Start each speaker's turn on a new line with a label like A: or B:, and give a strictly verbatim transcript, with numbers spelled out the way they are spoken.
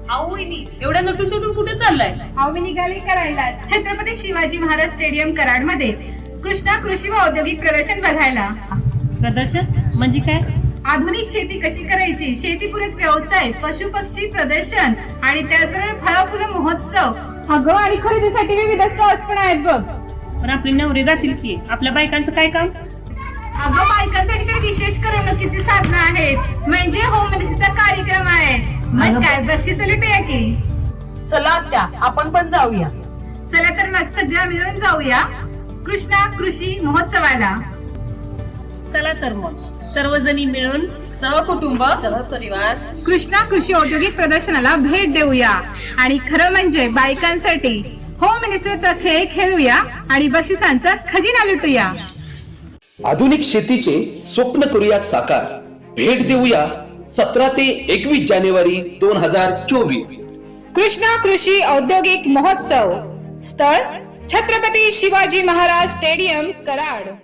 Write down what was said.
A: अहो वहिनी, एवढ्या नटून तुटून कुठे चाललाय?
B: अहो मी निघाली करायला छत्रपती शिवाजी महाराज स्टेडियम कराड मध्ये कृष्णा कृषी व औद्योगिक प्रदर्शन बघायला.
A: प्रदर्शन म्हणजे काय?
B: आधुनिक शेती कशी करायची, शेतीपूरक व्यवसाय, पशु पक्षी प्रदर्शन आणि त्याचबरोबर फळ फुलं महोत्सव. अगं आणि खरेदीसाठी विविध स्टॉल्स पण आहेत बघ.
A: पण आपले नवरे जातील की, आपल्या बायकांचं काय काम?
B: अगं बायकांसाठी तर विशेष करमणुकीची साधनं आहेत, म्हणजे होम मिनिस्ट्रीचा कार्यक्रम आहे. मग काय बक्षीस लुटूया की.
A: चला आत्या, आपण पण जाऊया.
B: चला तर मग सगळ्या मिळून जाऊया कृष्णा कृषी महोत्सवाला.
A: चला तर मग सर्वजणी मिळून सहकुटुंब सहपरिवार
B: कृष्णा कृषी औद्योगिक प्रदर्शनाला भेट देऊया आणि खरं म्हणजे बायकांसाठी होम मिनिस्टरचा खेळ खेळूया आणि बक्षिसांचा खजिना लुटूया.
C: आधुनिक शेतीचे स्वप्न करूया साकार. भेट देऊया सतरा ते एकवीस जानेवारी दोन हजार चोवीस.
B: कृष्णा कृषी औद्योगिक महोत्सव. स्थळ छत्रपती शिवाजी महाराज स्टेडियम कराड.